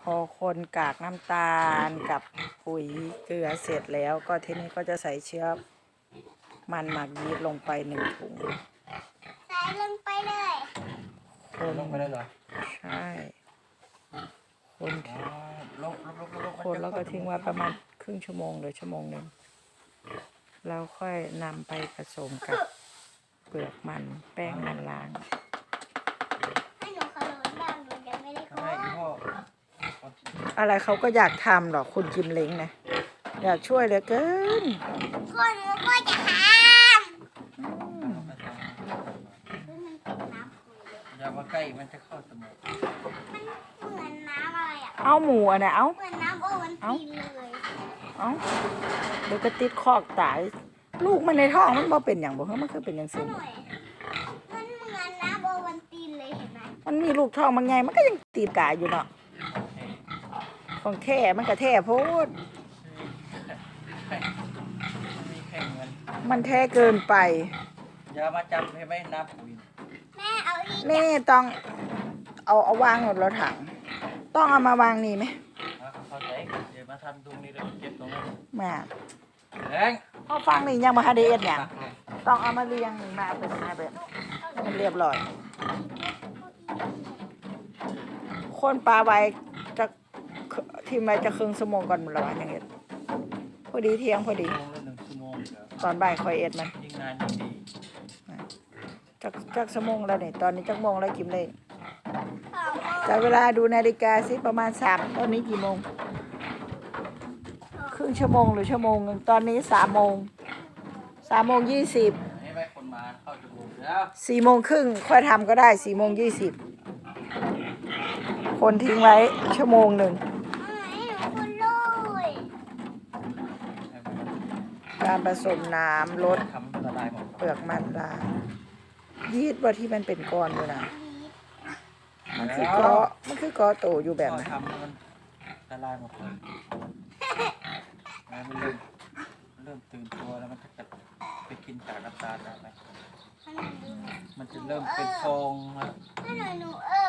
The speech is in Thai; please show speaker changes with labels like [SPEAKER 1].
[SPEAKER 1] พอคนกากน้ำตาลกับปุ๋ยเกลือเสร็จแล้วก็ทีนี้ก็จะใส่เชื้อมันหมักยีสต์ลงไป1 ถุง
[SPEAKER 2] ใส่ลงไปเลย
[SPEAKER 1] คน
[SPEAKER 3] ลงไปได้เหรอ
[SPEAKER 1] ใช่คน
[SPEAKER 3] ลง
[SPEAKER 1] แล้วก็ทิ้งไว้ประมาณครึ่งชั่วโมงหรือ1 ชั่วโมงแล้วค่อยนำไปผสมกับเปลือกมันแป้งมันล้าง
[SPEAKER 2] ให้หนูขลุ่นบ้างหนูยังไม่ได้ขลุ่น
[SPEAKER 1] อะไรเขาก็อยากทำหรอกคุณกิมเล้งนะอยากช่วยเหลือเกิน
[SPEAKER 2] คนหนูก็จะทำ
[SPEAKER 3] อย่ามาใกล้มันจะเข้าสมอง
[SPEAKER 2] มันเหมือนน้ำอะไรอ่ะ
[SPEAKER 1] เอาหมูอ่ะนะเอา
[SPEAKER 2] เหมือนน้ำโอวันตินเลย
[SPEAKER 1] เอาเดี๋ยวก็ติดคอกตายลูกมันในท้องมันบ่เป็นอย่างบ่มันคือเป็นอย่างสิ่ง
[SPEAKER 2] มันเหมือนน้ำโอวันตินเลยเห็นไหม
[SPEAKER 1] มันมีลูกท้องมันไงมันก็ยังตีกายอยู่เนาะของแท้มันก็แท้โพดมันแท้เกินไป
[SPEAKER 3] อย่ามาจับให้ไหมน้ำปุ๋ย
[SPEAKER 2] แม่เอาอีก
[SPEAKER 1] นี่ต้องเอาวางหมดแล้วถังต้องเอามาวางนี่ไหม
[SPEAKER 3] เข้าใจเดี๋ยวมาทำตรงนี้เลยเก็บตรงนั้น
[SPEAKER 1] มา
[SPEAKER 3] แรง
[SPEAKER 1] พอฟังนี่ยังมาฮาเดเอ็ดเนี่ยต้องเอามาเรียงมาเป็นมาแบบมันเรียบร้อยคนปลาไว้จะทีมไว้จะครึ่งชั่วโมงก่อนหมดแล้วอย่างเงี้ยพอดีเที่ยงพอดี
[SPEAKER 3] 1 ชั่วโมง
[SPEAKER 1] ตอนบ่ายคอยเอ็ดมัน
[SPEAKER 3] ยิ่งนานยิ่งดี
[SPEAKER 1] จักชั่วโมงแล้วเนี่ยตอนนี้จักโมงแล้วกิมเลยจากเวลาดูนาฬิกาสิประมาณ3ตอนนี้กี่โมงครึ่งชั่วโมงหรือ1 ชั่วโมงตอนนี้3 โมง20
[SPEAKER 3] ให้แม่คนมาเข้าชั่วโมงแล้ว
[SPEAKER 1] 4 โมงครึ่งค่อยทำก็ได้4 โมง 20คนทิ้งไว้1 ชั่วโมงการผสมน้ำลดเปลือกมันล้างยีสต์ว่าที่มันเป็นก้อนอยู่นะมันคือกอโตอยู่แบบนั้น
[SPEAKER 3] ทำมันละลายหมดเลยมันเริ่มตื่นตัวแล้วมันจะไปกินจากน้ำตาลแล้วไหมมันจะเริ่มเป็นฟองแล้ว
[SPEAKER 2] หนู